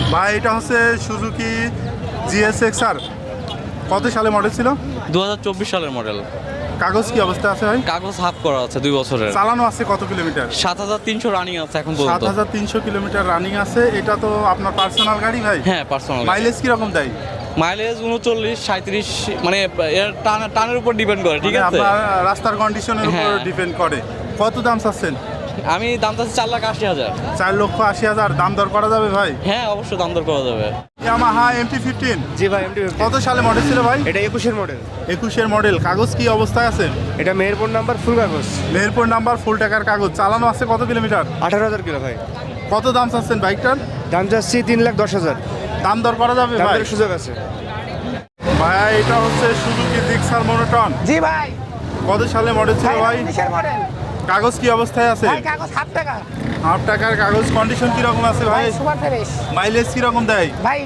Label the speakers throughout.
Speaker 1: ভাই এটা হচ্ছে সুজুকি GSX-R, কত সালে মডেল ছিল?
Speaker 2: 2024 সালের মডেল।
Speaker 1: কাগজ কি অবস্থা আছে ভাই?
Speaker 2: কাগজ হাফ করা আছে 2 বছরের।
Speaker 1: চালানো আছে কত কিলোমিটার?
Speaker 2: 7300 রানিং আছে এখন পর্যন্ত।
Speaker 1: 7300 কিলোমিটার রানিং আছে। এটা তো আপনার পার্সোনাল গাড়ি ভাই?
Speaker 2: হ্যাঁ পার্সোনাল।
Speaker 1: মাইলেজ কিরকম দেয়?
Speaker 2: মাইলেজ 39 37, মানে এর টানের উপর ডিপেন্ড করে, ঠিক আছে?
Speaker 1: আপনার রাস্তার কন্ডিশনের উপর ডিপেন্ড করে। কত দাম চাচ্ছেন?
Speaker 2: আমি দাম চাচ্ছি 4,80,000।
Speaker 1: 4,80,000 দাম দর করা যাবে ভাই?
Speaker 2: হ্যাঁ অবশ্যই দাম দর করা যাবে।
Speaker 1: Yamaha MT-15।
Speaker 3: জি ভাই, MT-15
Speaker 1: কত সালে মডেল ছিল ভাই?
Speaker 3: এটা 21-এর মডেল।
Speaker 1: 21-এর মডেল। কাগজ কি অবস্থায় আছে?
Speaker 3: এটা মেহেরপুর নাম্বার, ফুল কাগজ।
Speaker 1: মেহেরপুর নাম্বার, ফুল টাকার কাগজ। চালানো আছে কত কিলোমিটার?
Speaker 3: 18,000 কিলো ভাই।
Speaker 1: কত দাম চাচ্ছেন বাইকটার?
Speaker 3: দাম যাচ্ছি 3,10,000।
Speaker 1: দাম দর করা যাবে ভাই?
Speaker 3: দামের সুযোগ আছে
Speaker 1: ভাই এটা হচ্ছে সুজুকি জিক্সার মনোটন।
Speaker 4: জি ভাই।
Speaker 1: কত সালে মডেল ছিল ভাই?
Speaker 4: 19-এর মডেল।
Speaker 1: কাগজ কি অবস্থায় আছে?
Speaker 4: ভাই কাগজ হাফ টাকা।
Speaker 1: হাফ টাকার কাগজ। কন্ডিশন কিরকম আছে ভাই?
Speaker 4: Super fresh.
Speaker 1: মাইলেজ কিরকম দেয়?
Speaker 4: ভাই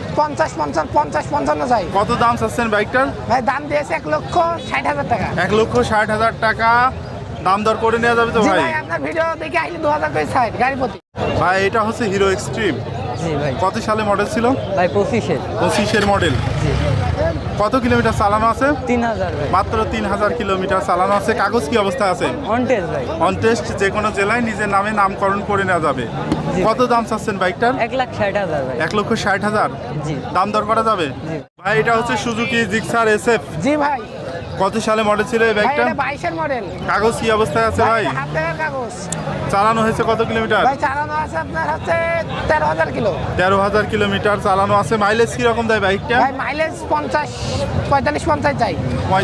Speaker 4: 50-55 যাই।
Speaker 1: কত দাম চাচ্ছেন বাইকটার?
Speaker 4: ভাই দাম দিয়েছে 1,60,000 টাকা।
Speaker 1: 1,60,000 টাকা। দাম দর করে নেওয়া যাবে তো
Speaker 4: জি
Speaker 1: ভাই?
Speaker 4: ভাই, আপনার ভিডিও দেখে আসলে 2,000 করে ছাড় গাড়ি প্রতি।
Speaker 1: ভাই এটা হচ্ছে হিরো এক্সট্রিম।
Speaker 5: জি ভাই।
Speaker 1: কত সালে মডেল ছিল?
Speaker 5: ভাই 25-এর।
Speaker 1: 25-এর মডেল। কত কিলোমিটার চালানো আছে?
Speaker 5: 3,000 ভাই।
Speaker 1: মাত্র 3,000 কিলোমিটার চালানো আছে। কাগজ কি অবস্থা আছে?
Speaker 5: অন টেস্ট ভাই।
Speaker 1: On test. যে কোনো জেলায় নিজের নামে নামকরণ করে নেওয়া যাবে।
Speaker 5: জি।
Speaker 1: কত দাম চাচ্ছেন বাইকটার?
Speaker 5: 1,60,000 ভাই।
Speaker 1: 1,60,000
Speaker 5: জি।
Speaker 1: দাম দর করা যাবে?
Speaker 5: জি।
Speaker 1: ভাই এটা হচ্ছে সুজুকি জিক্সার SF।
Speaker 4: জি ভাই।
Speaker 1: কত সালে মডেল ছিল এই
Speaker 4: ভাই
Speaker 1: বাইকটা?
Speaker 4: এটা 22-এর মডেল।
Speaker 1: কাগজ কি অবস্থায় আছে ভাই?
Speaker 4: হাফ টাকার কাগজ।
Speaker 1: চালানো হয়েছে কত কিলোমিটার?
Speaker 4: ভাই চালানো আছে আপনার হচ্ছে 13,000 কিলো।
Speaker 1: 13,000 কিলোমিটার চালানো আছে। মাইলেজ কিরকম দেয় বাইকটা?
Speaker 4: ভাই মাইলেজ 45-50 যাই।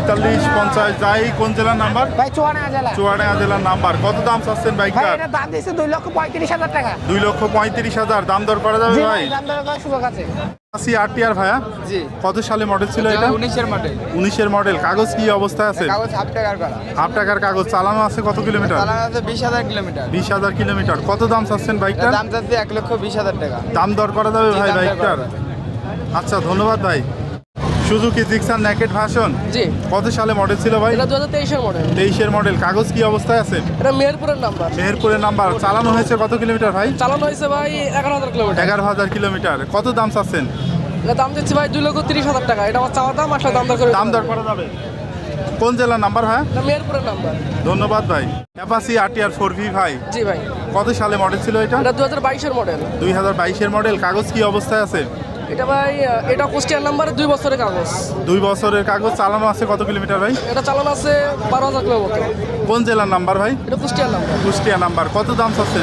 Speaker 1: 45-50 যাই। কোন জেলার নাম্বার?
Speaker 4: ভাই চুয়াডাঙ্গা জেলা।
Speaker 1: চুয়াডাঙ্গা জেলার নাম্বার। কত দাম চাচ্ছেন
Speaker 4: ভাই
Speaker 1: বাইকটার?
Speaker 4: এটা দাম দিয়েছে 2,35,000 টাকা।
Speaker 1: 2,35,000 দাম দর করা যাবে
Speaker 4: জি
Speaker 1: ভাই?
Speaker 4: ভাই, দাম দর করার সুযোগ আছে।
Speaker 1: আসি RTR ভাইয়া।
Speaker 3: জি।
Speaker 1: কত সালে মডেল ছিল এটা?
Speaker 3: 19-এর মডেল।
Speaker 1: 19-এর মডেল। কাগজ কি অবস্থায় আছে?
Speaker 3: কাগজ হাফ টাকার করা।
Speaker 1: হাফ টাকার কাগজ। চালানো আছে কত কিলোমিটার?
Speaker 3: চালানো আছে 20,000 কিলোমিটার।
Speaker 1: 20,000 কিলোমিটার। কত দাম চাচ্ছেন বাইকটার?
Speaker 3: দাম যাচ্ছে 1,20,000 টাকা।
Speaker 1: দাম দর করা যাবে ভাই
Speaker 3: দাম দর করা
Speaker 1: বাইকটার?
Speaker 3: যাবে।
Speaker 1: আচ্ছা ধন্যবাদ ভাই। Suzuki Gixxer naked version.
Speaker 5: জি।
Speaker 1: কত সালে মডেল ছিল ভাই?
Speaker 5: এটা 2023-এর মডেল।
Speaker 1: 23-এর মডেল। কাগজ কি অবস্থায় আছে?
Speaker 5: এটা মেহেরপুরের নাম্বার।
Speaker 1: মেহেরপুরের নাম্বার। চালানো হয়েছে কত কিলোমিটার ভাই?
Speaker 5: চালানো হয়েছে ভাই 11,000 কিলোমিটার।
Speaker 1: 11,000 কিলোমিটার। কত দাম চাচ্ছেন?
Speaker 5: এটা দাম দিচ্ছি ভাই 2,30,000 টাকা। এটা আমার চাওয়া দাম, আসলে দাম দর করে
Speaker 1: দাম দর করা যাবে? কোন জেলার নাম্বার ভাই?
Speaker 5: এটা মেহেরপুরের নাম্বার।
Speaker 1: ধন্যবাদ ভাই। অ্যাপাচি RTR 4V ভাই।
Speaker 5: জি ভাই।
Speaker 1: কত সালে মডেল ছিল এটা?
Speaker 5: এটা 2022-এর মডেল।
Speaker 1: 2022-এর মডেল। কাগজ কি অবস্থায় আছে?
Speaker 5: এটা ভাই এটা কুষ্টিয়ার নাম্বারে 2 বছরের কাগজ।
Speaker 1: 2 বছরের কাগজ। চালানো আছে কত কিলোমিটার ভাই?
Speaker 5: এটা চালানো আছে 12,000 কিলোমিটার।
Speaker 1: কোন জেলার নাম্বার ভাই?
Speaker 5: এটা কুষ্টিয়ার নাম্বার।
Speaker 1: কুষ্টিয়া নাম্বার। কত দাম চাচ্ছেন?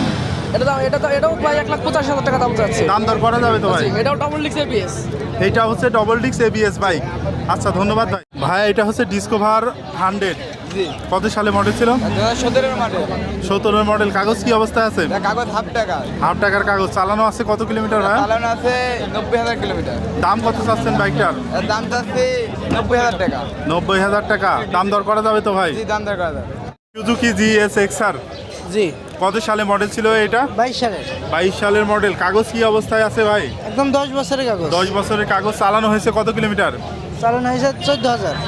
Speaker 5: এটাও প্রায় 1,85,000 টাকা দাম যাচ্ছে।
Speaker 1: দাম দর করা যাবে তো ভাই?
Speaker 5: এটাও ডাবল ডিস্ক ABS।
Speaker 1: এইটা হচ্ছে ডবল ডিস্ক ABS বাইক। আচ্ছা ধন্যবাদ ভাই। ভাই এটা হচ্ছে ডিসকভার 100।
Speaker 3: জি।
Speaker 1: কত সালে মডেল ছিল?
Speaker 3: 2017-এর মডেল।
Speaker 1: 17-এর মডেল। কাগজ কি অবস্থায় আছে?
Speaker 3: কাগজ হাফ টাকা।
Speaker 1: হাফ টাকার কাগজ। চালানো আছে কত কিলোমিটার ভাই?
Speaker 3: চালানো আছে 90,000 কিলোমিটার।
Speaker 1: দাম কত চাচ্ছেন বাইকটার?
Speaker 3: দাম যাচ্ছে 90,000 টাকা।
Speaker 1: 90,000 টাকা। দাম দর করা যাবে তো ভাই?
Speaker 3: জি, দাম দর করা যাবে।
Speaker 1: Suzuki GSX-R।
Speaker 5: জি।
Speaker 1: কত সালে মডেল ছিল এটা?
Speaker 5: 22 সালের।
Speaker 1: 22 সালের মডেল। কাগজ কি অবস্থায় আছে ভাই?
Speaker 5: একদম 10 বছরের কাগজ।
Speaker 1: 10 বছরের কাগজ। চালানো হয়েছে কত কিলোমিটার?
Speaker 5: চালানো হয়েছে 14,000।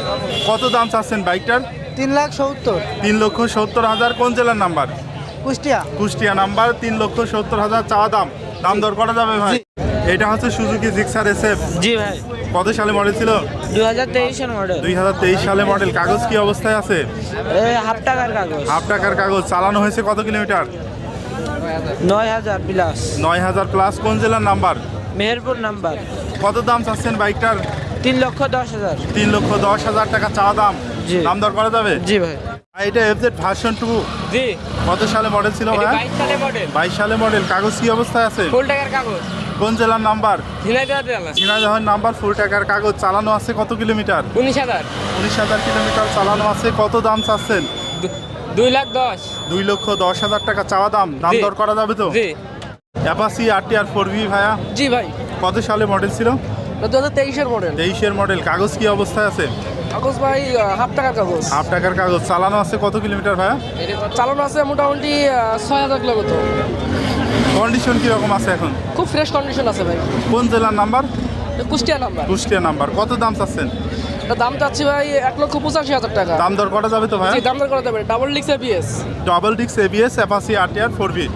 Speaker 1: কত দাম চাচ্ছেন বাইকটার?
Speaker 5: 3,70,000।
Speaker 1: 3,70,000। কোন জেলার নাম্বার?
Speaker 5: কুষ্টিয়া।
Speaker 1: কুষ্টিয়া নাম্বার। 3,70,000 চাওয়া দাম। দাম দর করা যাবে ভাই? এটা হচ্ছে সুজুকি জিক্সার SF।
Speaker 5: জি ভাই।
Speaker 1: কত সালে মডেল ছিল?
Speaker 5: 2023-এর মডেল।
Speaker 1: 2023 সালে মডেল। কাগজ কি অবস্থায় আছে?
Speaker 5: হাফ টাকার কাগজ।
Speaker 1: হাফ টাকার কাগজ। চালানো হয়েছে কত কিলোমিটার?
Speaker 5: 9,000 প্লাস।
Speaker 1: 9,000 প্লাস। কোন জেলার নাম্বার?
Speaker 5: মেহেরপুর নাম্বার।
Speaker 1: কত দাম চাচ্ছেন বাইকটার?
Speaker 5: 3,10,000।
Speaker 1: 3,10,000 টাকা চাওয়া দাম।
Speaker 5: জি।
Speaker 1: দাম দর করা যাবে?
Speaker 5: জি ভাই।
Speaker 1: আর এটা FZ ভার্সন 2।
Speaker 5: জি।
Speaker 1: কত সালে মডেল ছিল ভাই?
Speaker 5: 22 সালের মডেল।
Speaker 1: 22 সালে মডেল। কাগজ কি অবস্থায় আছে?
Speaker 5: ফুল টাকার কাগজ।
Speaker 1: কোন জেলার নাম্বার?
Speaker 5: ঝিনাইদহ জেলা।
Speaker 1: ঝিনাইদহের নাম্বার। ফুল টাকার কাগজ। চালানো আছে কত কিলোমিটার?
Speaker 5: 19,000।
Speaker 1: 19,000 কিলোমিটার চালানো আছে। কত দাম চাচ্ছেন?
Speaker 5: 2,10,000।
Speaker 1: 2,10,000 টাকা চাওয়া দাম। দাম
Speaker 5: জি।
Speaker 1: দর করা যাবে তো?
Speaker 5: জি।
Speaker 1: অ্যাপাচি RTR 4V ভাইয়া।
Speaker 5: জি ভাই।
Speaker 1: কত সালে মডেল ছিল?
Speaker 5: 2023-এর মডেল।
Speaker 1: 23-এর মডেল। কাগজ কি অবস্থায় আছে?
Speaker 5: কাগজ ভাই হাফ টাকার কাগজ।
Speaker 1: হাফ টাকার কাগজ। চালানো আছে কত কিলোমিটার ভাইয়া?
Speaker 5: চালানো আছে মোটামুটি 6,000 কিলোমিটার।
Speaker 1: কন্ডিশন কিরকম আছে এখন?
Speaker 5: খুব ফ্রেশ কন্ডিশন আছে ভাই।
Speaker 1: কোন জেলার number?
Speaker 5: Kushtia number.
Speaker 1: Kushtia number. কত দাম চাচ্ছেন?
Speaker 5: এটা দাম চাচ্ছি ভাই 1,85,000 টাকা।
Speaker 1: দাম দর করা যাবে তো ভাই?
Speaker 5: জি, দাম দর করা যাবে। Double disc ABS।
Speaker 1: Double disc ABS Apache RTR 4V।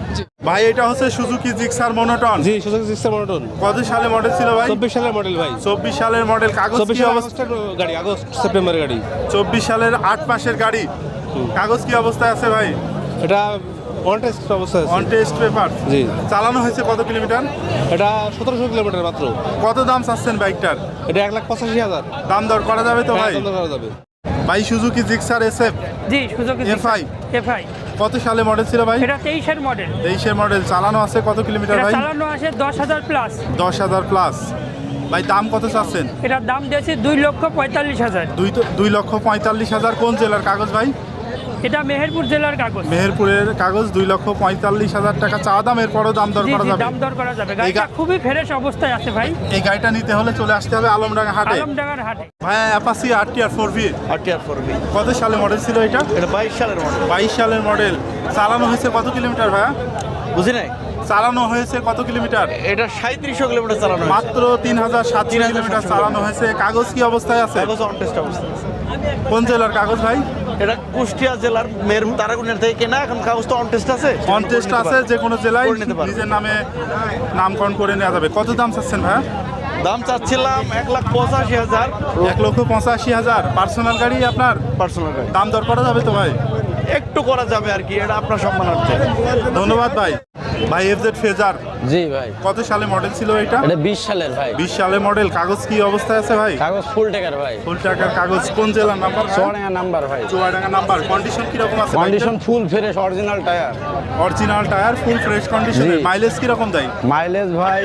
Speaker 1: ভাই এটা হচ্ছে সুজুকি জিক্সার মনোটন।
Speaker 6: জি সুজুকি জিক্সার মনোটন।
Speaker 1: কত সালে মডেল ছিল ভাই?
Speaker 6: 24 সালের মডেল ভাই।
Speaker 1: 24 সালের মডেল। কাগজ কি অবস্থা?
Speaker 6: গাড়ি আগস্ট সেপ্টেম্বরের গাড়ি।
Speaker 1: 24 সালের 8 মাসের গাড়ি। কাগজ কি অবস্থায় আছে ভাই?
Speaker 6: এটা অন টেস্ট অবস্থায় আছে।
Speaker 1: On test paper.
Speaker 6: জি।
Speaker 1: চালানো হয়েছে কত কিলোমিটার?
Speaker 6: এটা 1700 কিলোমিটার মাত্র।
Speaker 1: কত দাম চাচ্ছেন বাইকটার?
Speaker 6: এটা 1,85,000।
Speaker 1: দাম দর করা যাবে তো ভাই?
Speaker 6: দাম দর করা যাবে।
Speaker 1: ভাই সুজুকি জিক্সার এসএফ
Speaker 7: জি সুজুকি
Speaker 1: এফআই
Speaker 7: এফআই
Speaker 1: কত সালে মডেল ছিল ভাই?
Speaker 7: এটা 23 এর মডেল।
Speaker 1: 23 এর মডেল। চালানো আছে কত কিলোমিটার
Speaker 7: এটা
Speaker 1: ভাই?
Speaker 7: চালানো আছে 10,000 প্লাস।
Speaker 1: 10,000 প্লাস। ভাই দাম কত চাচ্ছেন?
Speaker 7: এটার দাম দিয়েছি 2,45,000।
Speaker 1: 2,45,000। কোন জেলার কাগজ ভাই?
Speaker 7: এটা মেহেরপুর জেলার কাগজ।
Speaker 1: মেহেরপুরের কাগজ। 2,45,000 টাকা চা দাম। এরপরও দাম দর
Speaker 7: জি
Speaker 1: করা
Speaker 7: জি
Speaker 1: যাবে?
Speaker 7: দাম দর করা যাবে। গাড়িটা খুবই ফ্রেশ অবস্থায় আছে ভাই।
Speaker 1: এই গাড়িটা নিতে হলে চলে আসতে হবে আলমডাঙ্গা হাটে।
Speaker 7: আলমডাঙ্গার হাটে।
Speaker 1: ভাই Apache RTR 4V
Speaker 8: RTR 4V
Speaker 1: কত সালে মডেল ছিল এটা?
Speaker 8: এটা 22 সালের মডেল।
Speaker 1: 22 সালের মডেল। চালানো হয়েছে কত কিলোমিটার ভাইয়া?
Speaker 8: বুঝি নাই,
Speaker 1: চালানো হয়েছে কত কিলোমিটার?
Speaker 8: এটা 3700 কিলোমিটার চালানো হয়েছে।
Speaker 1: মাত্র 3,700 কিলোমিটার চালানো হয়েছে। কাগজ কি অবস্থায় আছে?
Speaker 8: কাগজ অন টেস্ট অবস্থা আছে।
Speaker 1: কোন জেলার কাগজ ভাই?
Speaker 8: এটা কুষ্টিয়া জেলার মেহেরপুর তারাগুনিয়া থেকে কেনা, এখন কাগজ তো অন টেস্ট আছে।
Speaker 1: অন টেস্ট আছে, যে কোনো জেলায়
Speaker 8: করে নিতে পারবে।
Speaker 1: নিজের নামে নামকরণ করে নেওয়া যাবে। কত দাম চাচ্ছেন ভাইয়া?
Speaker 8: দাম চাচ্ছিলাম 1,85,000।
Speaker 1: 1,85,000। পার্সোনাল গাড়ি আপনার?
Speaker 8: পার্সোনাল গাড়ি।
Speaker 1: দাম দর করা যাবে তো ভাই?
Speaker 8: একটু করা যাবে আর কি, এটা আপনার সম্মানার্থে।
Speaker 1: ধন্যবাদ ভাই। ভাই এফজেড ফেজার
Speaker 9: জি ভাই।
Speaker 1: কত সালে মডেল ছিল এটা?
Speaker 9: এটা 20 সালের ভাই।
Speaker 1: 20 সালের মডেল। কাগজ কি অবস্থায় আছে ভাই?
Speaker 9: কাগজ ফুল টাকার ভাই।
Speaker 1: ফুল টাকার কাগজ। কোন জেলার নাম্বার?
Speaker 9: চুয়াডাঙ্গা নাম্বার ভাই।
Speaker 1: চুয়াডাঙ্গা নাম্বার। কন্ডিশন কিরকম আছে?
Speaker 9: Condition full fresh original tyre.
Speaker 1: Original tyre, full fresh কন্ডিশনে।
Speaker 9: জি।
Speaker 1: মাইলেজ কিরকম দেয়?
Speaker 9: মাইলেজ ভাই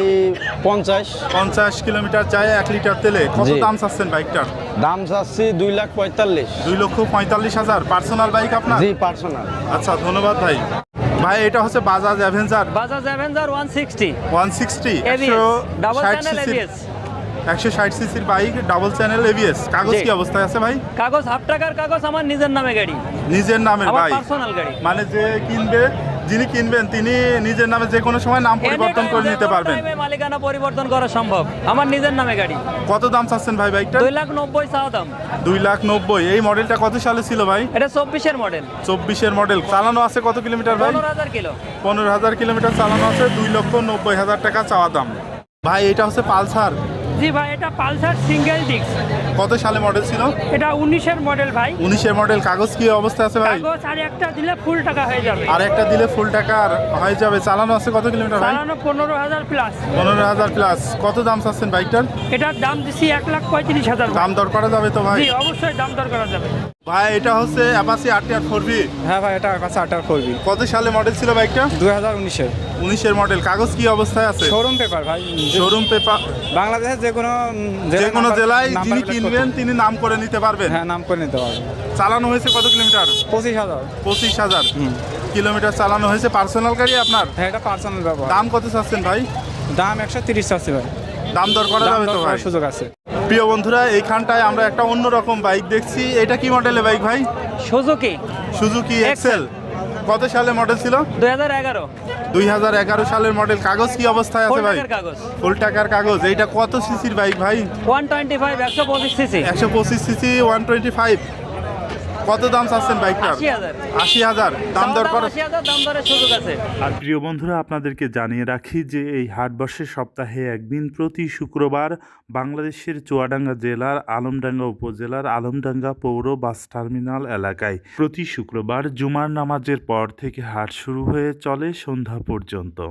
Speaker 9: 50
Speaker 1: কিলোমিটার যায় 1 লিটার তেলে। কত
Speaker 9: জি।
Speaker 1: দাম চাচ্ছেন বাইকটার?
Speaker 9: দাম চাচ্ছি 2,45,000।
Speaker 1: 2,45,000। পার্সোনাল বাইক আপনার?
Speaker 9: জি পার্সোনাল।
Speaker 1: আচ্ছা ধন্যবাদ ভাই। ভাই এটা হচ্ছে Bajaj Avenger
Speaker 7: Bajaj Avenger 160
Speaker 1: 160
Speaker 7: ABS double
Speaker 1: 160
Speaker 7: channel
Speaker 1: সিসির
Speaker 7: ABS।
Speaker 1: 160 সিসির বাইক, ডাবল চ্যানেল ABS। কাগজ
Speaker 7: জি।
Speaker 1: কি অবস্থায় আছে ভাই?
Speaker 7: কাগজ হাফ টাকার কাগজ, আমার নিজের নামে গাড়ি,
Speaker 1: নিজের নামের
Speaker 7: আমার
Speaker 1: বাইক।
Speaker 7: পার্সোনাল গাড়ি।
Speaker 1: মানে যিনি কিনবেন তিনি নিজের নামে যে কোনো সময় নাম পরিবর্তন করে নিতে পারবেন।
Speaker 7: মালিকানা পরিবর্তন করা সম্ভব, আমার নিজের নামে গাড়ি।
Speaker 1: কত দাম চাচ্ছেন ভাই বাইকটা?
Speaker 7: 2,90,000 চাওয়া দাম।
Speaker 1: 2,90,000। এই মডেলটা কত সালে ছিল ভাই?
Speaker 7: এটা 24 এর মডেল।
Speaker 1: 24 এর মডেল। চালানো আছে কত কিলোমিটার ভাই?
Speaker 7: 15,000 কিলো।
Speaker 1: 15,000 কিলোমিটার চালানো আছে। 2,90,000 টাকা চাওয়া দাম। ভাই এটা হচ্ছে পালসার।
Speaker 7: জি ভাই, এটা পালসার সিঙ্গেল ডিস্ক।
Speaker 1: কত সালে মডেল ছিল?
Speaker 7: এটা 19 এর মডেল ভাই।
Speaker 1: 19 এর মডেল। কাগজ কি অবস্থা আছে ভাই?
Speaker 7: কাগজ আর একটা দিলে ফুল টাকা হয়ে যাবে।
Speaker 1: আর একটা দিলে ফুল টাকার হয়ে যাবে। চালানো আছে কত কিলোমিটার ভাই?
Speaker 7: চালানো 15,000 প্লাস।
Speaker 1: 15,000 প্লাস। কত দাম চাচ্ছেন বাইকটার?
Speaker 7: এটার দাম দিছি 1,35,000।
Speaker 1: দাম দর করা যাবে তো ভাই?
Speaker 7: জি অবশ্যই দাম দর করা যাবে।
Speaker 1: ভাই এটা হচ্ছে অ্যাপাচি RTR 4V।
Speaker 3: হ্যাঁ ভাই, এটা কাছে RTR 4V
Speaker 1: কত সালে মডেল ছিল বাইকটা?
Speaker 3: 2019-এর
Speaker 1: 19 এর মডেল। কাগজ কি অবস্থায় আছে?
Speaker 3: শোরুম পেপার ভাই।
Speaker 1: Showroom paper.
Speaker 3: বাংলাদেশের যে কোনো
Speaker 1: জেলায় যিনি কিনবেন তিনি নাম করে নিতে পারবেন।
Speaker 3: হ্যাঁ, নাম করে নিতে পারবেন।
Speaker 1: চালানো হয়েছে কত কিলোমিটার?
Speaker 3: 25,000।
Speaker 1: 25,000 কিলোমিটার চালানো হয়েছে। পার্সোনাল গাড়ি আপনার?
Speaker 3: হ্যাঁ, এটা পার্সোনাল ব্যবহার।
Speaker 1: দাম কত চাচ্ছেন ভাই?
Speaker 3: দাম 130 আছে ভাই।
Speaker 1: দাম দর করা
Speaker 3: দাম
Speaker 1: যাবে
Speaker 3: দর
Speaker 1: তো ভাই?
Speaker 3: করার সুযোগ আছে।
Speaker 1: প্রিয় বন্ধুরা, এইখানটায় আমরা একটা অন্যরকম বাইক দেখছি। এটা কি মডেলের বাইক ভাই?
Speaker 7: Suzuki
Speaker 1: Suzuki Excel. কত সালে মডেল ছিল?
Speaker 7: 2011।
Speaker 1: 2011 সালের মডেল। কাগজ কি অবস্থায় আছে
Speaker 7: ফুল
Speaker 1: ভাই?
Speaker 7: টাকার কাগজ।
Speaker 1: ফুল টাকার কাগজ। এইটা কত সিসির বাইক ভাই?
Speaker 7: 125 125 সিসি।
Speaker 1: 125 সিসি 125। কত দাম চাচ্ছেন বাইকটার?
Speaker 7: 80,000।
Speaker 1: 80,000। দাম দর করা।
Speaker 7: 80,000 দাম দরের সুযোগ আছে।
Speaker 10: আর প্রিয় বন্ধুরা, আপনাদেরকে জানিয়ে রাখি যে এই হাটবর্ষের সপ্তাহে একদিন প্রতি শুক্রবার বাংলাদেশের চুয়াডাঙ্গা জেলার আলমডাঙ্গা উপজেলার আলমডাঙ্গা পৌর বাস টার্মিনাল এলাকায় প্রতি শুক্রবার জুমার নামাজের পর থেকে হাট শুরু হয়ে চলে সন্ধ্যা পর্যন্ত।